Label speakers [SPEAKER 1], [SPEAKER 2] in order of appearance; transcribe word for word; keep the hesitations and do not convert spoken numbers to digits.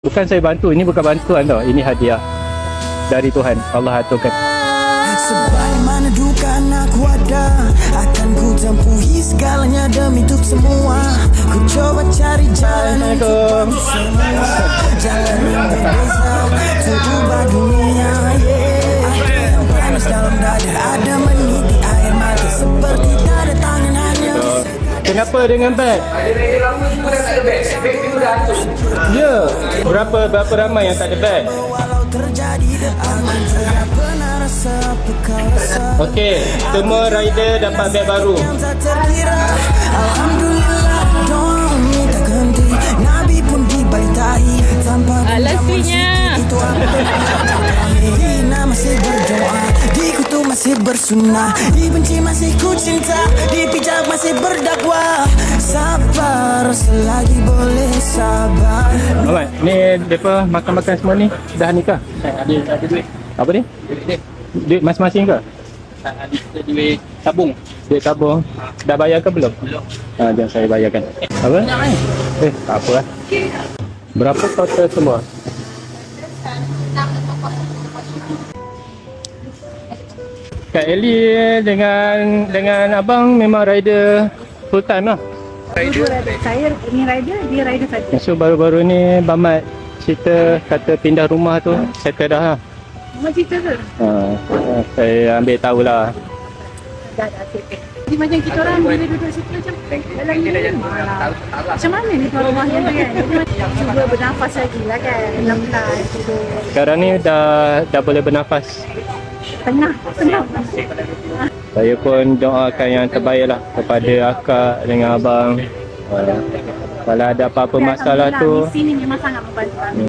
[SPEAKER 1] Bukan saya bantu, ini bukan bantuan tau. Ini hadiah dari Tuhan. Allah aturkan.
[SPEAKER 2] Sebagaimana duka aku ada, akan ku tempuhi segalanya demi untuk semua. Ku coba cari jalan untuk semua, jalan yang berbeza untuk ubah dunia. Yeah. Ada yang panas dalam dada, ada meniti air mata seperti tak ada tangan hanya.
[SPEAKER 1] Kenapa dengan beg? Ya, berapa berapa ramai yang tak ada beg?
[SPEAKER 2] Walau terjadi aman, tidak pernah rasa apa kau rasa.
[SPEAKER 1] Okey, semua rider dapat beg baru.
[SPEAKER 2] Yang tak terkira, alhamdulillah doa minta henti. Nabi pun dibaitahi tanpa
[SPEAKER 3] Ah, Leslie-nya.
[SPEAKER 2] itu apa? Dina masih berdoa, dikutuk masih bersunnah, dibenci masih ku cinta, dipijak masih berdakwah. Sabar selagi boleh sabar.
[SPEAKER 1] Alright, ni depa makan-makan semua ni dah ni kah?
[SPEAKER 4] Ada ada duit.
[SPEAKER 1] Apa ni?
[SPEAKER 4] Duit.
[SPEAKER 1] Duit masing-masing ke?
[SPEAKER 4] Ada kita duit tabung.
[SPEAKER 1] Duit tabung. Dah bayar ke belum?
[SPEAKER 4] Belum.
[SPEAKER 1] Ha, jom saya bayarkan. Apa? Eh, tak apa lah. Berapa total semua? Kak Ellie dengan dengan abang memang rider full time lah.
[SPEAKER 3] Rider. Saya ni rider, dia rider saja.
[SPEAKER 1] So baru-baru ni Bamat cerita kata pindah rumah tu settle dah lah.
[SPEAKER 3] Cuma cerita ke?
[SPEAKER 1] Ha, saya ambil tahulah.
[SPEAKER 3] Dah dah settle. Jadi macam kita orang bila duduk situ macam dalam ni malah. Macam mana ni tuan rumah yang tu kan? Jadi macam cuba bernafas lagi lah kan. Pelan-pelan tidur.
[SPEAKER 1] Sekarang ni dah dah boleh bernafas.
[SPEAKER 3] Tengah, tengah.
[SPEAKER 1] Saya pun doakan yang terbaik lah kepada akak dengan abang. Uh, kalau ada apa-apa masalah tu,
[SPEAKER 3] Misi ni memang sangat membantu.